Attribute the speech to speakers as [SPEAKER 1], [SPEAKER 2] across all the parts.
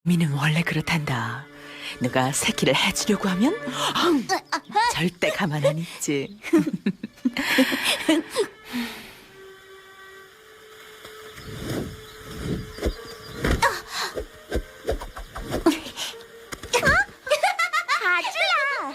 [SPEAKER 1] 미는 원래 그렇단다. 누가 새끼를 해주려고 하면 절대 가만 안 있지.
[SPEAKER 2] 아주야.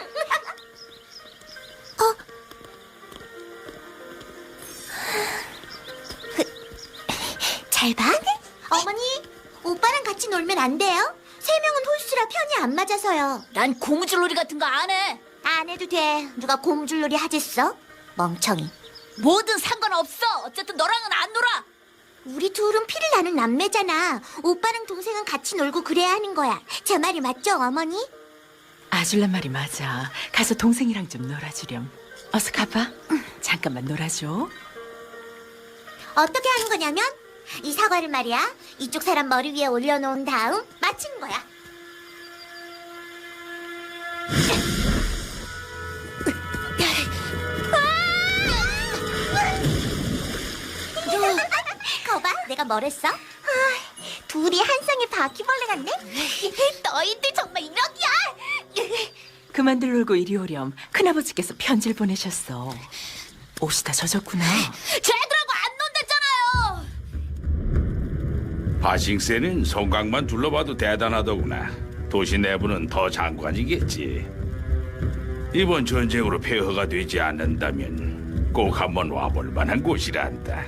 [SPEAKER 2] 잘 봐. 어머니, 오빠랑 같이 놀면 안 돼요? 세 명은 홀수라 편이 안 맞아서요.
[SPEAKER 3] 난 고무줄놀이 같은 거 안 해.
[SPEAKER 2] 안 해도 돼. 누가 고무줄놀이 하겠어? 멍청이.
[SPEAKER 3] 뭐든 상관없어. 어쨌든 너랑은 안 놀아.
[SPEAKER 2] 우리 둘은 피를 나는 남매잖아. 오빠랑 동생은 같이 놀고 그래야 하는 거야. 제 말이 맞죠, 어머니?
[SPEAKER 1] 아줄란 말이 맞아. 가서 동생이랑 좀 놀아주렴. 어서 가봐. 잠깐만 놀아줘.
[SPEAKER 2] 어떻게 하는 거냐면 이 사과를 말이야. 이쪽 사람 머리 위에 올려놓은 다음 맞히는 거야. 거봐, 내가 뭐랬어? 둘이 한 쌍의 바퀴벌레 같네? 너희들 정말 이러기야!
[SPEAKER 1] 그만들 놀고 이리 오렴. 큰아버지께서 편지를 보내셨어. 옷이 다 젖었구나.
[SPEAKER 3] 쟤들하고 안 논댔잖아요.
[SPEAKER 4] 바싱세는 성곽만 둘러봐도 대단하더구나. 도시 내부는 더 장관이겠지. 이번 전쟁으로 폐허가 되지 않는다면 꼭 한번 와볼 만한 곳이란다.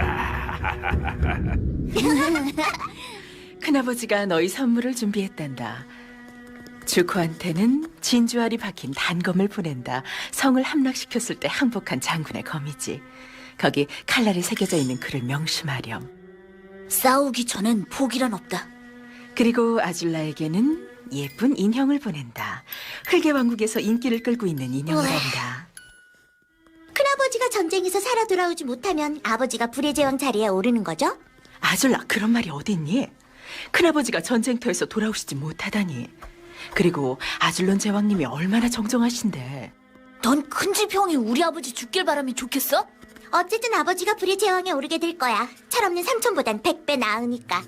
[SPEAKER 1] 큰아버지가 너희 선물을 준비했단다. 주코한테는 진주알이 박힌 단검을 보낸다. 성을 함락시켰을 때 항복한 장군의 검이지. 거기 칼날이 새겨져 있는 글을 명심하렴.
[SPEAKER 3] 싸우기 전엔 포기란 없다.
[SPEAKER 1] 그리고 아줄라에게는 예쁜 인형을 보낸다. 흙의 왕국에서 인기를 끌고 있는 인형을
[SPEAKER 2] 우와.
[SPEAKER 1] 한다.
[SPEAKER 2] 큰아버지가 전쟁에서 살아 돌아오지 못하면 아버지가 불의 제왕 자리에 오르는 거죠?
[SPEAKER 1] 아줄라, 그런 말이 어딨니? 큰아버지가 전쟁터에서 돌아오시지 못하다니. 그리고 아줄론 제왕님이 얼마나 정정하신데.
[SPEAKER 3] 넌 큰집형이 우리 아버지 죽길 바라면 좋겠어?
[SPEAKER 2] 어쨌든 아버지가 불의 제왕에 오르게 될 거야. 철없는 삼촌보단 100배 나으니까.